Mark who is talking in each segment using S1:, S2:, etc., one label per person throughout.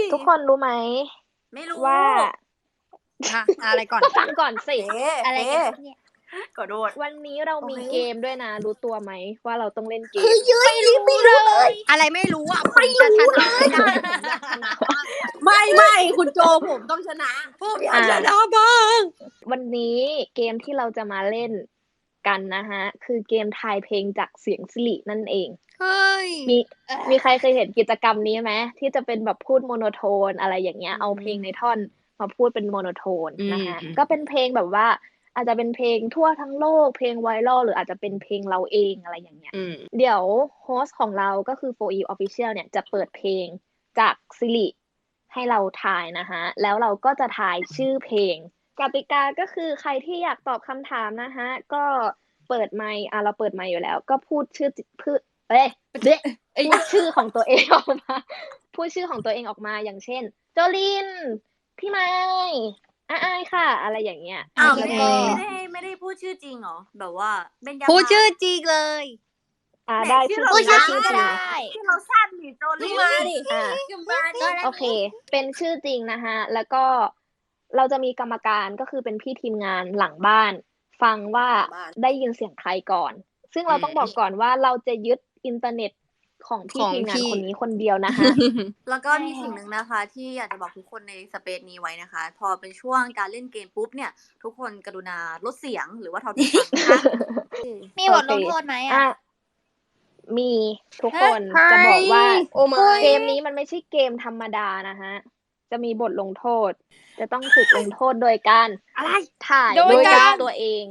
S1: ทุกคนรู้ไหม
S2: ไม่รู้
S1: ว่า
S3: อะไรก่อน
S1: ฟังก่อนสิ
S3: อะไรกันเนี่ย
S2: กดโดด
S1: วันนี้เรามีเกมด้วยนะรู้ตัวไหมว่าเราต้องเล่นเกม
S3: ไม่รู้เลยอะไรไม่รู้อ่ะผมจะชนะไม่ได้ผมอยากชนะบ้าง
S2: ไม่คุณโจผมต้องชนะ
S3: ผมอยากชนะบ้าง
S1: วันนี้เกมที่เราจะมาเล่นกันนะฮะคือเกมทายเพลงจากเสียงสิรินั่นเอง
S3: เฮ้ย
S1: มีใครเคยเห็นกิจกรรมนี้ไหมที่จะเป็นแบบพูดโมโนโทนอะไรอย่างเงี้ยเอาเพลงในท่อนมาพูดเป็นโมโนโทนนะคะก็เป็นเพลงแบบว่าอาจจะเป็นเพลงทั่วทั้งโลกเพลงไวรัลหรืออาจจะเป็นเพลงเราเองอะไรอย่างเงี้ยเดี๋ยวโฮสต์ของเราก็คือ 4E Official เนี่ยจะเปิดเพลงจากสิริให้เราทายนะคะแล้วเราก็จะทายชื่อเพลงกติกาก็คือใครที่อยากตอบคำถามนะคะก็เปิดไมค์เราเปิดไมค์อยู่แล้วก็พูดชื่อพูดชื่อของตัวเองออกมาพูดชื่อของตัวเองออกมาอย่างเช่นโจลินพี่ไม้อายค่ะอะไรอย่างเงี้ย
S2: แล้วก็ไม่ได้พูดชื่อจริงเหรอแบบว่าเป็น
S3: พูดชื่อจริงเลย
S1: ได้ชื่อจริง
S3: ก็ได้
S2: ที่เราสั้นดิโจลินมาดิ
S1: โอเคเป็นชื่อจริงนะคะแล้วก็เราจะมีกรรมการก็คือเป็นพี่ทีมงานหลังบ้านฟังว่าได้ยินเสียงใครก่อนซึ่งเราต้องบอกก่อนว่าเราจะยึดอินเทอร์เน็ตของพี่ทีมงานคนนี้คนเดียวนะคะ
S2: แล้วก็มีสิ่งหนึ่งนะคะที่อยากจะบอกทุกคนในสเปซนี้ไว้นะคะพอเป็นช่วงการเล่นเกมปุ๊บเนี่ยทุกคนกรุณาลดเสียงหรือว่าเท่าที่ฟังนะคะ
S3: มีบทลงโทษไหม
S1: มีทุกคนจะบอกว่าเกมนี้มันไม่ใช่เกมธรรมดานะฮะจะมีบทลงโทษจะต้องถูกลงโทษโดยการถ่ายรูปตัวเอง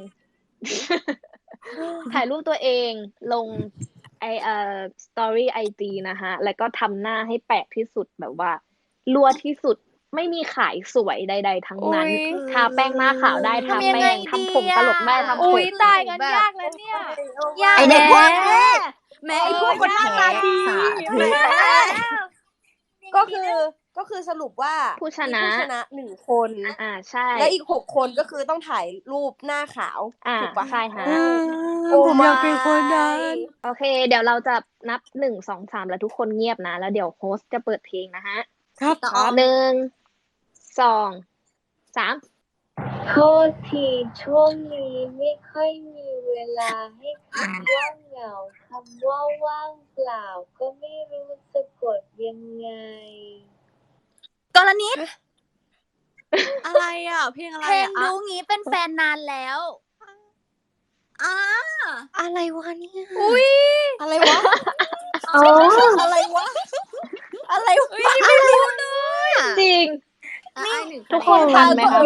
S1: ถ่ายรูปตัวเองลงสตอรี่IG นะคะแล้วก็ทำหน้าให้แปลกที่สุดแบบว่ารั่วที่สุดไม่มีขายสวยใดๆทั้งนั้นทาแป้งหน้าขาวได้ทาแป้งทำผมตลกได้ทำผม
S3: ตายกันยากแล้วเนี่ย
S2: ยากแม่ไอ้พวกคนหน้าตาดี
S4: ก็คือสรุปว่า
S1: ผู้ชนะ
S4: 1 คน
S1: ใช่
S4: และอีก6 คนก็คือต้องถ่ายรูปหน้าขาวถูกปะ
S1: ใช่ค่ะ
S3: ผมอยากเป็นคนนั้น
S1: โอเคเดี๋ยวเราจะนับ1 2 3แล้วทุกคนเงียบนะแล้วเดี๋ยวโฮสต์จะเปิดเพลงนะฮะ
S3: ครับ
S1: 1 2 3
S5: โทษทีช่วงนี้ไม่ค่อยมีเวลาให้คำว่าเหงาคำว่าว่างเปล่าก็ไม่รู้สะกดยังไง
S3: กรณิต
S2: อะไรเพลงอะไร
S3: เพลงรู้งี้เป็นแฟนนานแล้ว
S4: อะไรวะเนี่ย
S3: อะไรวะ
S4: อะไรวะ
S3: ไม่รู้เลย
S1: จริงทุกคนทันไหมคะ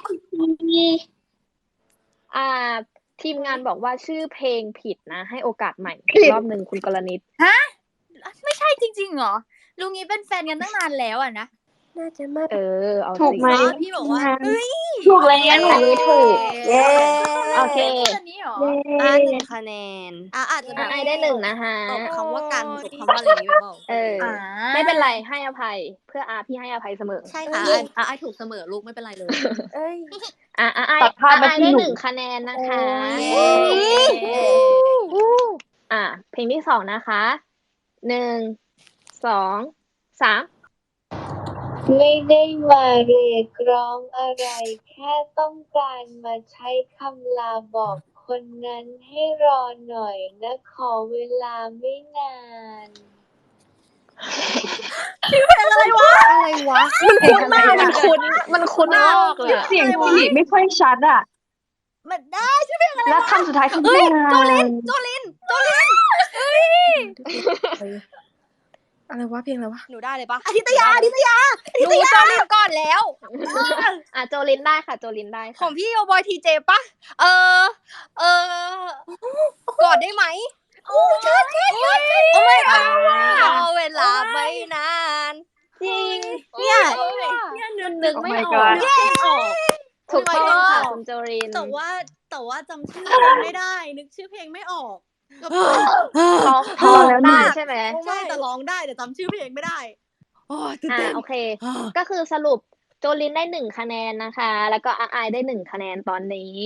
S1: ทีมงานบอกว่าชื่อเพลงผิดนะให้โอกาสใหม่รอบนึงคุณกรณิต
S3: ฮะไม่ใช่จริงๆเหรอลุงนี้เป็นแฟนกันตั้งนานแล้วนะ
S4: น่าจะมา
S1: เอา
S5: ถูกไหม
S3: พี่บอกว่า
S5: ถูกแล้ว
S1: อันนี้ถูกโอเค
S3: 1 คะแนน
S2: อาจจะ
S1: ได้1นะคะ
S2: ตบคำว่ากันตบคำว่าอะไรอย่างนี้เปล่า
S1: ไม่เป็นไรให้อภัยเพื่อพี่ให้อภัยเสมอ
S2: ใช่ค่ะไอถูกเสมอลูกไม่เป็นไรเลย
S1: ไอได้1 คะแนนนะคะเพลงที่2นะคะ1 2 3
S5: ไม่ได้มาเรียกร้องอะไรแค่ต้องการมาใช้คำลาบอกคนนั้นให้รอหน่อยนะขอเวลาไม่นาน
S2: ชื่อเพลงอะไรวะ
S1: มันคุ้นมากเลย
S5: เสียงพี่ไม่ค่อยชัด
S2: มันได้ชื่อเพลงอะไร
S5: แล้วคำสุดท้ายคือ
S2: โจลิน
S4: อะไรวะเพลงอะไรวะ
S3: หนูได้เลยปะ
S2: อาทิตยา
S3: หนูโจลินก่อนแล้ว
S1: โจลินได้ค่ะโจลินได้
S3: ของพี่โอบอยทีเจปะกอดได้ไหม
S2: ใช่
S3: ไม่เอาเวลาไม่นาน
S1: จริง
S2: เนี่ย
S1: นึกไม่ออกถูกต้องค่ะคุณโจลิน
S2: แต่ว่าจำชื่อเพลงไม่ได้นึกชื่อเพลงไม่ออก
S1: ร้องได้ใช่ไหม
S2: ใช่แต่ร้องได้แต่จำชื่อเพลงไม่ได้
S1: โอเคก็คือสรุปโจลินได้1 คะแนนนะคะแล้วก็ไอได้1 คะแนนตอนนี้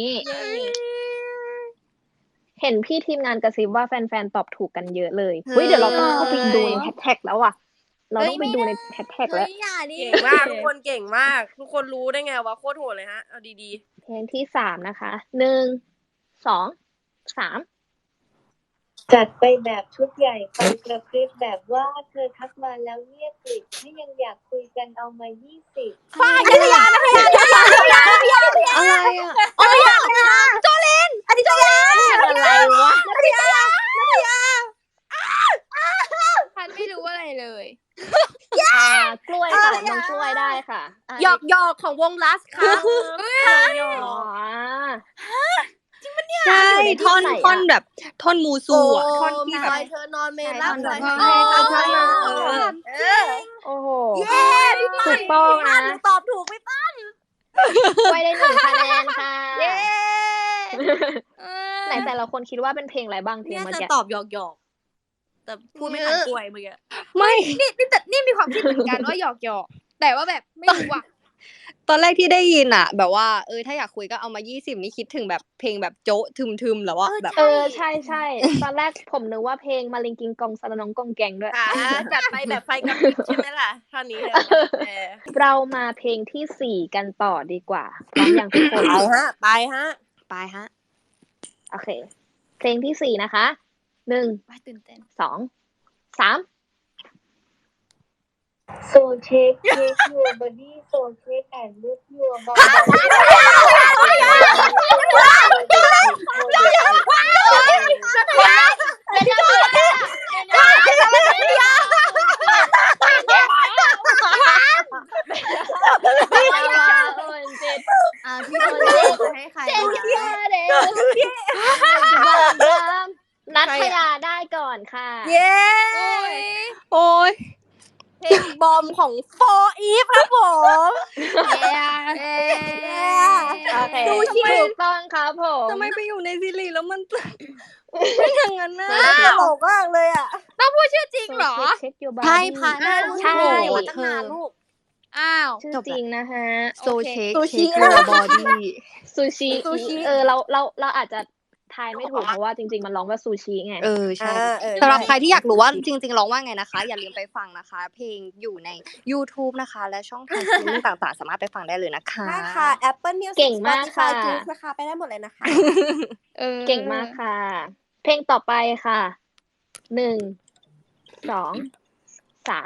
S1: เห็นพี่ทีมงานกระซิบว่าแฟนๆตอบถูกกันเยอะเลยเดี๋ยวเราต้องเข้าไปดูในแท็กแล้วเราต้องไปดูในแฮชแท็กแล้ว
S3: อย่าดิ
S4: เก่งมากทุกคนเก่งมาก ทุกคนรู้ได้ไงวะโคตรโหดเลยฮะเอาดี
S1: เพลงที่3นะคะ1 2 3
S5: จัดไปแบบชุดใหญ่ไฟกระพริบแบบว่าเธอทักมาแล้วเงียบกริบถ้ายังอยากคุยกันเอามา20
S3: ฝ้ายนัทยาอะไรอ่ะโจลินอดิตยา
S1: อะไรวะ
S3: นัทยาพันไม่รู้อะไรเลย
S1: กล้วยค่ะน้องกล้วยได้ค่ะ
S4: ๆหยอกของวงลัสค่ะ
S1: อ๋อ
S3: ใช่
S1: อยู่ในที่
S3: ท่อน
S1: ไหนอะ
S3: ท่อนแบบท่อนมูซูอ่ะท่อนที่แบบ
S4: ปล่อยเธอนอนเมลับ
S3: ใช่
S4: ปล่อย
S3: ท่อน
S4: เธอ
S3: ใช่
S4: นอน
S3: เออ
S1: โอ้โห
S4: เย้พี่
S1: ถูกต้องนะ
S4: หนูตอบถูกไหมป้าก
S1: ล้วยได้1 คะแนนค่ะ
S3: เย้
S1: ไหนแต่ละคนคิดว่าเป็นเพลงอะไรบ้างเพลง
S2: เนี่ย
S1: เมื่อ
S2: จะ
S1: กี้
S2: ตอบหยอกๆแต่พูดไม่ทันกล้วยเมื่อกี้
S3: ไม่
S6: นี่มีความคิดเหมือนกันว่าหยอกแต่ว่าแบบไม่รู้อ่ะ
S3: ตอนแรกที่ได้ยินอ่ะ แบบว่าถ้าอยากคุยก็เอามา20นี่คิดถึงแบบเพลงแบบโจ๊ะทึมๆแล้วว่าแบบ
S1: ใช่ใช่ตอนแรกผมนึกว่าเพลงมาลิงกิงกองสารน้องกองแกงด้วย
S4: จัดไปแบบไฟกระพริบใช่ไหมล่ะท่อนนี้เลย
S1: เรามาเพลงที่ 4กันต่อดีกว่าพร้อมอย่างทุกคน
S4: ไปฮะ
S3: ไปฮะ
S1: โอเค เพลงที่ 4นะคะ1
S6: ตื่นเต้น
S1: 2 3
S5: So take your body so take and move your body
S2: พี่โดนจะให้ใครมา
S1: นัทยาได้ก่อนค่ะ
S4: เย้
S3: โอ้ย
S4: เพลงบอมของโฟอีฟครับผม
S1: โอเคถูกต้องครับผม
S3: ทำไมไปอยู่ในซีรีส์แล้วมันเป็นอย่างนั้นนะ
S4: ตลกมากเลยอ่ะ
S6: จริงเหรอ
S1: เช็คยูบา
S2: ใช่พัน
S1: ใช่
S2: มาตั้งนานลูก
S6: อ้าว
S1: ชื่อจริงนะฮะ
S3: โซเชค
S4: ซูชิ
S3: เชคยูบอดี้
S1: ซูชิเราอาจจะทายไม่ถูกเพราะว่าจริงๆมันร้องว่าซูชิไง
S3: ใช่
S4: เออ
S3: สำหรับใครที่อยากรู้ว่าจริงๆร้องว่าไงนะคะ อย่าลืมไปฟังนะคะ เพลงอยู่ใน YouTube นะคะ และช่องทางสตรีมมิ่งต่างๆ สามารถไปฟังได้เลยนะคะ
S4: ใช่ค่ะ Apple Music
S1: เก่งมากค่ะ
S4: Spotify Juice นะคะ ไปได้หมดเลยนะคะ
S1: เก่งมากค่ะ เพลงต่อไปค่ะ1 2 3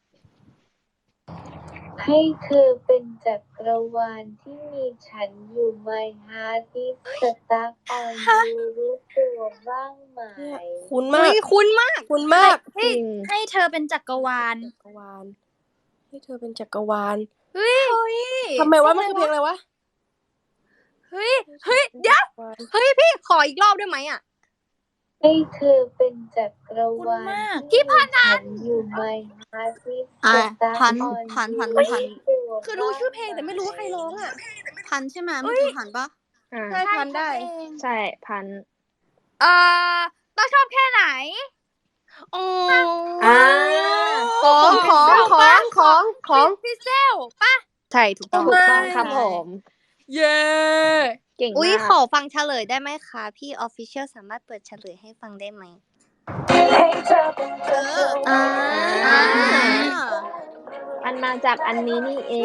S5: ให้เธอเป็นจักรวาลที่มีฉันอยู่ My heart is stuck on you รู้ตัวบ้างไหม
S4: คุ้น
S3: อุ๊
S4: มาก
S3: ยคุ้นมาก
S4: คุ้นมาก
S1: จริง
S6: ให้เธอเป็นจักรวาล
S4: จักรวาล ให้เธอเป็นจักรวาล
S6: เฮ้ย
S4: ทำไมว่ามันคือเพลงอะไรวะ
S6: เฮ้ยเดี๋ยว
S3: เฮ้ยพี่ขออีกรอบได้ไหมอ่ะ
S5: ให้เธอเป็นจักรวาล
S6: พี่พัน
S5: ฉันอยู่ My heart is
S2: อ่ะ
S5: stuck
S2: พัน
S5: on
S2: พัน
S5: you
S2: พัน
S5: รู้
S2: พัน
S5: ตัว
S4: คือรู้ชื่อเพลงแต่ไม่รู้ว่าใครร้องอ่ะ
S2: พันใช่ไหมเมื่อกี้พันปะ
S1: อ่า
S4: ใช่พันได้
S1: ใช่พัน
S6: ต้องชอบแค่ไหน
S3: อ๋อ
S4: ของ
S6: พี่เซลป่ะ
S3: ใช่ถูกต้อง
S1: ถูกต้องครับผม
S6: เย้
S1: เก่ง
S3: อุ้ย
S1: มาก
S3: ขอฟังเฉลยได้ไหมคะ พี่ Official สามารถเปิดเฉลยให้ฟังได้ไหม
S5: ให้เธอเป็นจักรวาล
S1: มันมาจากอันนี้นี่เอง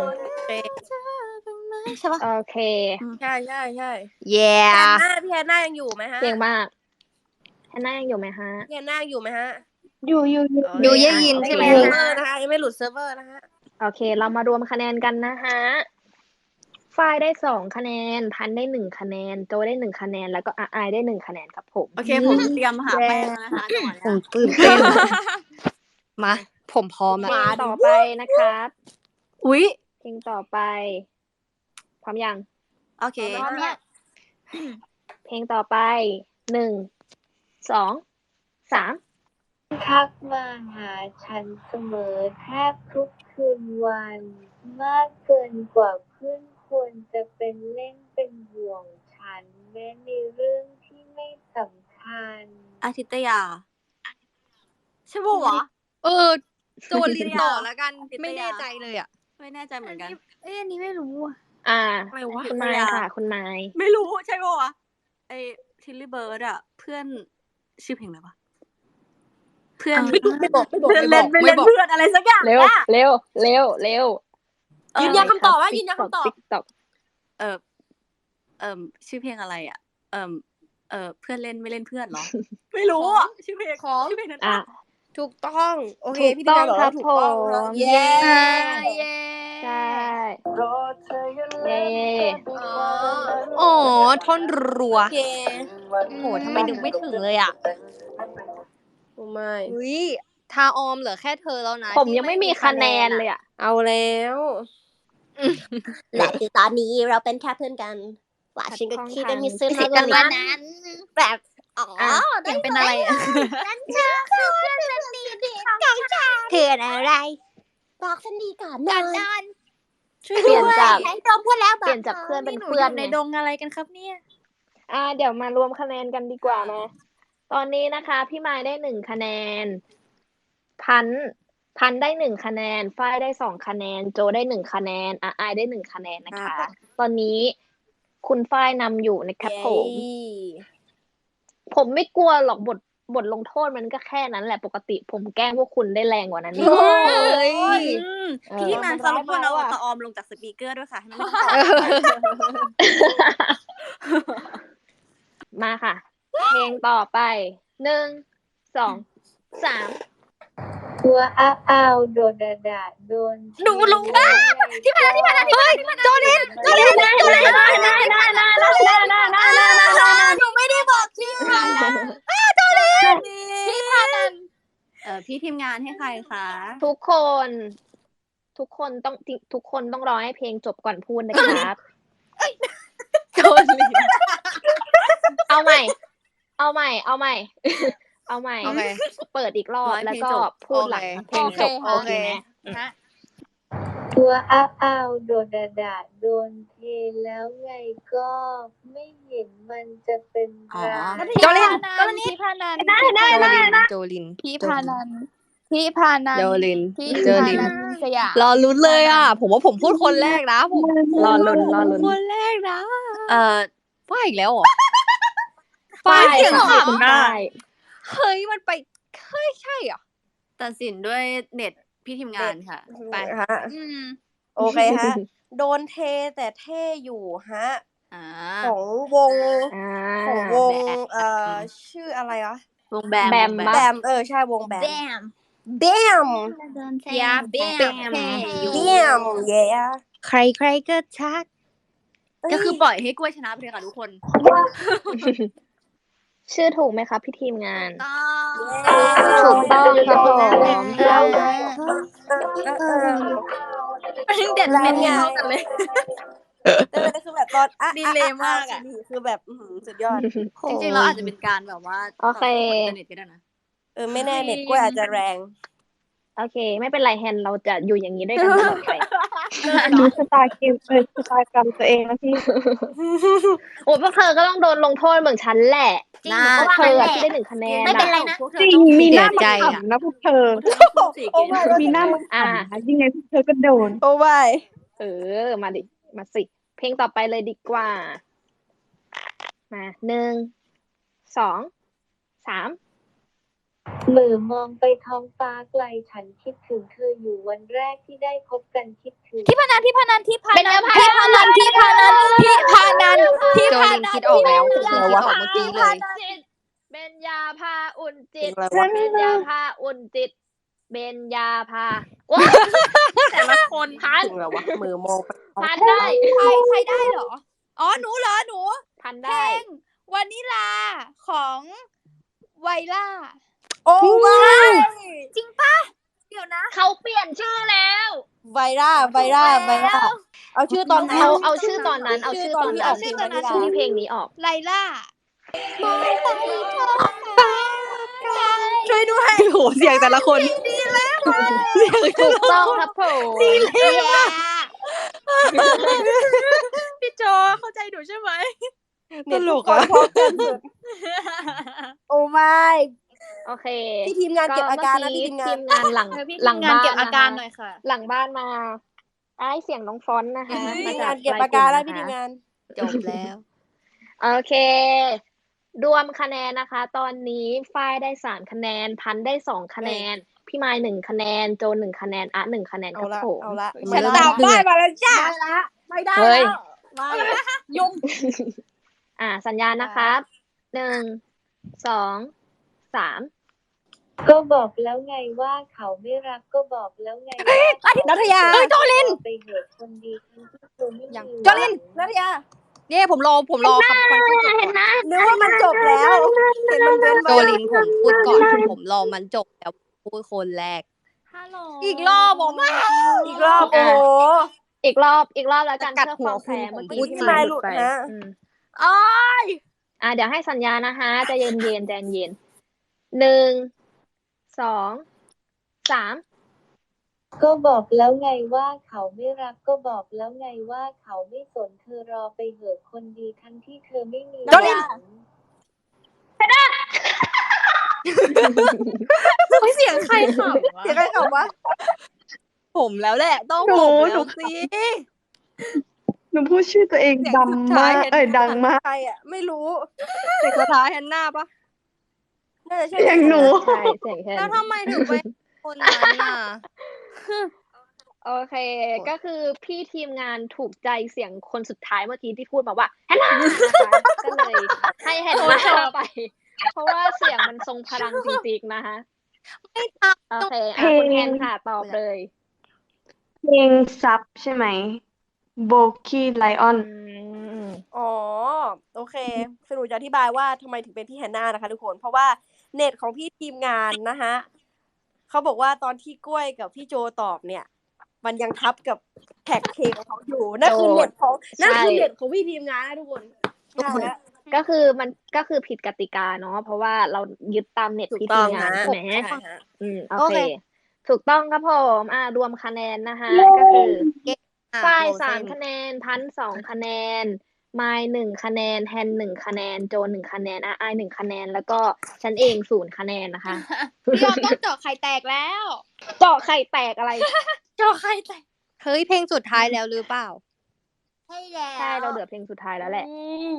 S2: ใช่ปะ
S1: โอเค
S4: ใช่
S3: yeah
S4: พี่แอนนายังอยู่ไหมฮะ
S1: เก่งมากแฮนน่ายังอยู่ไหมฮะ
S4: พี่แอนนายังอยู่ไหมฮะ
S5: อยู่
S3: อยู่ได้ยินใช่ไหม
S4: เซิร์ฟเวอร์นะคะยังไม่หลุดเซิร์ฟเวอร์นะคะ
S1: โอเค เรามารวมคะแนนกันนะฮะฝ้ายได้2 คะแนน พันได้1 คะแนน โจได้1 คะแนน แล้วก็อายได้1 คะแนนครับผม
S2: โอเคผมเตรียมหาแป้งแล้วนะคะจังหวะ
S3: ผม
S2: เนี้ย
S3: ตื่นเต้น มา ผมพร้อม
S1: เพ
S3: แล้ว
S1: ลงต่อไปนะครับ
S2: อุ๊ย
S1: เพลงต่อไป พร้อมยัง
S2: โอเค
S6: พร้อมเนี่ย
S1: เพลงต่อไป1 2 3
S5: ทักมาหาฉันเสมอแทบทุกคืนวัน มากเกินกว่าเพื่อนควรจะเป็นเล่นเป็นห่วงฉัน แม้ในเรื่องที่ไม่สำคัญ
S2: อาทิตยา ใช่ปะวะ
S3: โจลินต่อแล้วกัน
S2: ติดตา
S3: ไม่แน่ใจเลยอ่ะ
S2: ไม่แน่ใจเหมือนกัน
S6: อันนี้ไม่รู้อ่ะ
S4: อะไรวะ
S1: คุณไม้ค่ะ คุณไม้
S2: ไม่รู้ใช่ปะวะไอทิลลี่เบิร์ดอะเพื่อนชื่อเพลงอะไรวะเพื่อน
S4: ไม่บอก
S2: เพื่อนเล่นไม่เล่นเพื่อนอะไรสักอย่าง
S1: เร็ว
S2: อะ
S1: เร็วเร็วเร็ว
S4: ยืนยันคำตอบว่ายืนยันคำตอบ
S1: TikTok
S2: เออชื่อเพลงอะไรอ่ะเพื่อนเล่นไม่เล่นเพื่อนเหรอ ไม่รู้อ่ะชื่อเพลง
S4: ของ
S2: ชื่อเพลงนั้น
S1: อ่ะ
S4: ถูกต้องโอเค
S1: ถูก
S4: พี่ทีมงานบอก
S1: ต้อง
S4: ว่าถูกต้อง
S1: ครับผม
S4: เย้
S6: เย้
S1: ใช่เย้
S3: อ๋อท่อนรัว
S4: โอเค
S3: โหทำไมนึกไม่ถึงเลยอ่ะ
S4: โอ้ไม่
S3: อุ้ยทาออมเหลือแค่เธอแล้วนะ
S1: ผม
S3: ที่
S1: ยังไม่มีคะแนนเลยอ่ะ
S4: เอาแล้วและคือตอนนี้เราเป็นแค่เพื่อนกันว่าฉันก็คิดว่ามีซึ้งมากกว่านั้นแบบอ๋อ
S2: เสียงเป็นอะไรอะ
S4: นั่นเธอคือเพื่อนสนิทของฉันเพื่อนอะไรบอกฉันดีก่อนนอน
S2: ช่วย
S1: เปลี่ยนจาก
S4: ให้ตรงพูดแล้ว
S1: เปลี่ยนจากเพื่อนเป็น
S2: หนู
S1: เพื่
S2: อ
S1: อน
S2: ยู่ใน
S1: ไง
S2: ดงอะไรกันครับเนี่ย
S1: เดี๋ยวมารวมคะแนนกันดีกว่ามา ตอนนี้นะคะ พี่ไม้ได้1 คะแนน พันได้1 คะแนน ฝ้ายได้2 คะแนน โจได้1 คะแนนอายได้1 คะแนนนะคะ ตอนนี้คุณฝ้ายนำอยู่นะครับผมไม่กลัวหรอกบทลงโทษมันก็แค่นั้นแหละปกติผมแกล้งพวกคุณได้แรงกว่านั้นนี่
S2: พี่ทีมงานคะรบกวนเอาตะออมลงจากสปีกเกอร์ด้วยค่ะให้มันไม่ต้องตอบ
S1: มาค่ะ เพลงต่อไป 1 2 3
S5: ตัวอ้าวโดนด่าโดน
S2: หนูรู้ว่าที่ผ่าน
S1: โจลินได้ห
S2: นูไม่ได้บอกชื่อพี่พานันพี่ทีมงานให้ใครคะ
S1: ทุกคนต้องรอให้เพลงจบก่อนพูดนะครับ
S2: โจลิน
S1: เอาใหม่ เอาใหม่
S3: โอเค
S1: เปิดอีกรอบแล้วก็พูดหลังเพลงจบโอเคไหม
S5: ตัวอ้าวโดนด่าโดนเทแล้วไงก็ไม่เห็นมันจะเป็นไร
S3: โจลิน
S6: พี่พานัน
S3: โจลิน
S6: พี่พานันพี่พานัน
S3: โจลิน
S6: พี่
S3: โจ
S6: พา
S3: ลิน
S6: นันสยาม
S3: รอลุ้นเลยอ่ะ ผมว่าผมพูดคนแรกนะผม
S1: รอลุ้น
S3: คนแรกนะ ฝ้ายอีกแล้วเหรอ
S1: ฝ้าย
S3: เสียง
S1: ค่ะ
S3: ขำนะ
S1: ฝ้าย
S3: เฮ้ยมันไปเฮ้ยใช่เหรอ
S2: ตัดสินด้วยเน็ตพี่ทีมงานค่ะ
S3: ไป
S4: ฮะโอเคฮะโดนเทแต่เท่อยู่ฮะของวงชื่ออะไรวะ
S2: วงแบม
S4: แบมใช่วงแบมแบม
S6: ยาแบม
S4: แบมเย้
S3: ใครก็ชัก
S2: ก็คือปล่อยให้กล้วยชนะไปเลยค่ะทุกคน
S1: ชื่อถูกไหมคะพี่ทีมงาน
S2: ถู
S1: ถู
S2: ก
S1: กต้องครับผม
S2: เด็ดเป็นเท่ากันเลย
S4: คือแบบตอน
S2: ดีเลยมากอะ
S4: คือแบบสุดยอด
S2: จริงๆเราอาจจะเป็นการแบบว่า
S1: โอเค
S2: ต่อสู้กับอินเทอร์เน็ตก็ได้นะ
S4: ไม่แน่เน็ตกล้วยอาจจะแรง
S1: โอเค ไม่เป็นไรแฮนเราจะอยู่อย่างนี้ด้วยกันตลอดไป
S5: ดูสไตล์เกมสไตล์กรรมตัวเองนะพี่
S1: โอ้พวกเธอก็ต้องโดนลงโทษเหมือนฉันแหละ
S2: นะ
S1: พวกเธออะที่ได้1 คะแนน
S2: ไม่เป็นไร
S1: อะ
S2: นะ
S5: จริงมีหน้า
S3: ใจ
S5: มา
S3: อะ
S5: ขำนะพวกเธอ มีหน้ามาขำนะยังไงพวกเธอก็โดน
S4: โอ้ไม่
S1: มาดิ มาสิ เพลงต่อไปเลยดีกว่า มา1 2 3
S5: มือมองไปท้องฟ้าไกลฉันคิดถึงเธออยู่วันแรกที่ได้พบกันคิดถึง
S6: พี่พานัน
S1: เป็น
S3: โจลินคิดออกแล้วผมคิดออกเมื่อกี้เลย
S1: เบญญาภาอุ่นจิต เบญญาภาอุ่นจิต เบญญาภาแต่ละคนพัน
S4: ถึงแล้ววะมือมองไป
S1: พันได้
S6: ใครได้เหรอ อ๋อหนูเหรอหนู
S1: พัน
S6: เพล
S1: ได้
S6: งวานิลาของไวล่า
S4: โอ้ไม่
S6: จริงปะเดี๋ยวนะ
S1: เขาเปลี่ยนชื่อแล้ว
S4: ไวร่าเอาชื่อตอนนั้น
S1: เอาชื่อตอนนั้น เอาชื่อตอนนั้น
S4: เอาชื่อตอนนั้น
S1: ชื่อเพลงนี้ออก
S6: ไลล่า
S3: ช่วยด้วยโหเสียงแต่ละคน
S1: ถูกต้องครับผม
S2: พี่โจเข้าใจหนูใช่ไหม
S3: ตลกอะ
S4: โอ้ไม่
S1: โอเค
S4: พี่ทีมงานเก็บอาการนะพี่ทีมงาน
S1: ทีมงานหลัง
S6: พี่
S1: หลัง
S6: งาน
S1: บ้าน
S6: เก็บอาการห
S1: นะ
S6: น่อยค่ะ
S1: หลังบ้านมาเสียงน้องฟอนต์นะคะ
S4: พี่ทีม
S1: จ
S4: งานเก็บอาการแล้วพี่ทีมงาน
S3: จบแล้ว
S1: โอเครวมคะแนนนะคะ ตอนนี้ฝ้ายได้3คะแนน พันธุ์ได้2คะแนน พี่ไมค์1คะแนน โจน1คะแนนอะ1คะแนนครับผม
S6: เอาละ
S3: มั
S6: ฉั
S3: น
S6: น
S3: เริ่ม
S6: ตาม
S3: เดื
S6: ป้า
S3: อย ด
S6: มาแล้วจ้า
S4: ไม่ได้
S1: เฮ้ย
S4: แล้วไม่ยุ่ง
S1: สัญญาณนะครับ1 2 3
S5: ก็บอกแล้วไงว่าเขาไม่รักก็บอกแล้วไงว่าเขา
S6: นัทยา
S5: ไม่รักไปเหอะคนดีทั้งที่เธอไม่มี
S6: จอลินนัทยา
S3: เนี่ยผมรอคำคนพูดจบก่อน
S6: นึกว่ามันจบแล้ว เห็นมันเว้น
S3: โจ
S6: ไว้
S3: ลินผมพูดก่อน ผมรอมันจบแล้วพูดคนแรก
S2: ฮัลโหล
S3: อีกรอบผม
S6: อีกรอบ โอ้โห
S1: อีกรอบแล้วกัน
S3: กัด
S1: เพื่อ
S3: หั
S1: คว วามแฟร์
S3: คุณ
S1: เมื่อ
S3: ผม
S1: กี้
S3: พูด
S1: ที่
S6: ที่
S1: ไม
S6: ไม
S1: ค์
S6: ค์
S1: ห
S6: หลุ
S1: ลุ
S6: ด
S1: ดไป
S6: ฮะ
S2: อ้าย
S1: เดี๋ยวให้สัญญานะคะใจเย็นๆใจเย็น1 2 3
S5: ก็บอกแล้วไงว่าเขาไม่รักก็บอกแล้วไงว่าเขาไม่สนเธอรอไปเหอะคนดีทั้งที่เธอไม่มี
S6: จอลิน
S5: หวัง
S2: เสียงใครขำวะ
S6: เสียงใครขำวะ
S3: ผมแล้วแหละ ต้อง
S7: หนู
S3: ผม
S7: หนู
S3: แล้วสิ
S7: หนูพูดชื่อตัวเอง
S3: เสียงสุด
S7: ดำ
S3: ท้าม
S7: าย ก
S3: เห็น
S7: ดังมาก
S6: ใครอ่ะ ไม่รู้
S3: เสียงสุดท้ายแฮนนาปะ
S6: น่าจะใช่
S7: อย่างหนู
S1: ใช่เสียงแค่
S3: แล้ว
S1: นี้
S3: ทำไมถึงเป็นคนนั้นน่ะ
S1: โอเค ก็คือพี่ทีมงานถูกใจเสียงคนสุดท้ายเมื่อกี้ที่พูดมาว่าแฮนนานะคะก็เลยให้แฮนนาไป เพราะว่าเสียงมันทรงพลังจริงๆนะคะ
S3: ไม่ท
S1: โอเค
S7: เพลง
S1: คุณแฮนค่ะตอบเลย
S7: เพลงซับใช่ไหมโบกี้ไลออน
S6: อ๋อ โอเคสรุปจะอธิบายว่าทำไมถึงเป็นพี่แฮนนานะคะทุกคน เพราะว่าเน็ตของพี่ทีมงานนะคะเขาบอกว่าตอนที่กล้วยกับพี่โจตอบเนี่ย มันยังทับกับแท็กเพลงของเขาอยู่ นั่นคือเน็ตของ
S1: ใช่
S6: นั่นคือเน็ตของพี่ทีมงานนะทุกคนใช่แล้ว
S1: ก็คือมันก็คือผิดกติกาเนาะเพราะว่าเรายึดตามเน็ต
S6: ถูก
S1: พี่
S6: ต้
S1: ที
S6: อง
S1: มงาน
S6: ฮะ
S1: ใช่ไหม
S6: ใช่ฮะ
S1: โอ
S3: โอ
S1: เค
S3: เค
S1: ถูกต้องครับผมรวมคะแนนนะคะก็คือ
S3: อ่ะ
S1: ฝ้าย
S3: โรเซน
S1: 3 คะแนน พันธุ์2 คะแนน ไมล์1 คะแนน แฮน1 คะแนน โจน1 คะแนนอาย1 คะแนน แล้วก็ฉันเอง0 คะแนนนะคะ
S6: พี่ยอมต้องเจาะไข่แตกแล้ว
S1: เจาะไข่แตกอะไร
S2: จอใครแต่
S3: เฮ้ยเพลงสุดท้ายแล้วหรือเปล่า
S2: ใช่แล้ว
S1: ใช่เราเหลือเพลงสุดท้ายแล้วแหละ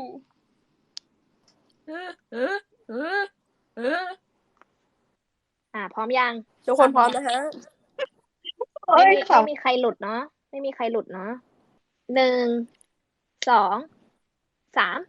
S1: พร้อมยัง
S6: ทุกคนพร้อมนะฮะ
S1: ไม่มีใครหลุดเนาะไม่มีใครหลุดเนาะ1 2 3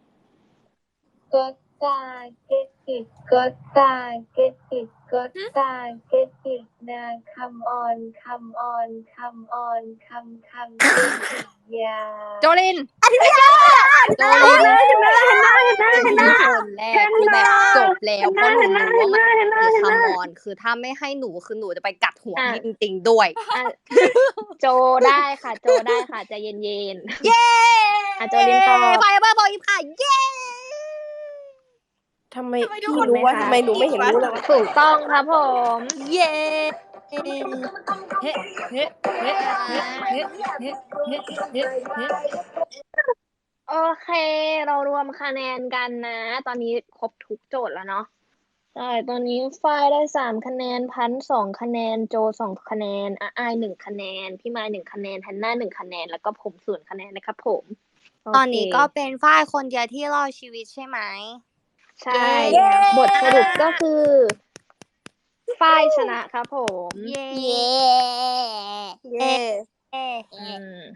S5: Gotta get it Gotta get it Gotta get it now come on come on come on come get it อย่า
S3: โจลิน โจลินคือคนแรกคือแบบจบแล้วเพราะหนูรู้ว่ามันคือคำมอนคือถ้าไม่ให้หนูคือหนูจะไปกัดหัวพี่จริงๆด้วย
S1: โจได้ค่ะ โจได้ค่ะใจเย็น
S3: เย้
S1: โจลินตอบ
S3: ไฟเบอร์บอยค่ะเย้
S6: ทำไมพี่รู้ว่าทำไมหนูไม่เห็นรู้เลยวะ
S1: ถูกต้องครับผม
S3: เย้
S2: เฮ้เฮ้เฮ้เฮ้เฮ้เฮ้เฮ้เฮ้เฮ้
S1: โอเค เรารวมคะแนนกันนะ ตอนนี้ครบทุกโจทย์แล้วเนาะใช่ตอนนี้ฝ้ายได้3 คะแนน พันธุ์2 คะแนน โจ2 คะแนนอาย1 คะแนน พี่ไมค์1 คะแนนแฮนนา1 คะแนน แล้วก็ผม0 คะแนนนะครับผมโเค
S3: ตอนนี้ก็เป็นฝ้ายคนเดียวที่รอดชีวิตใช่ไหม
S1: ใช่บทสรุปก็คือฝ้ายชนะครับผม
S3: เย้
S4: เย้
S6: เย้
S1: อืม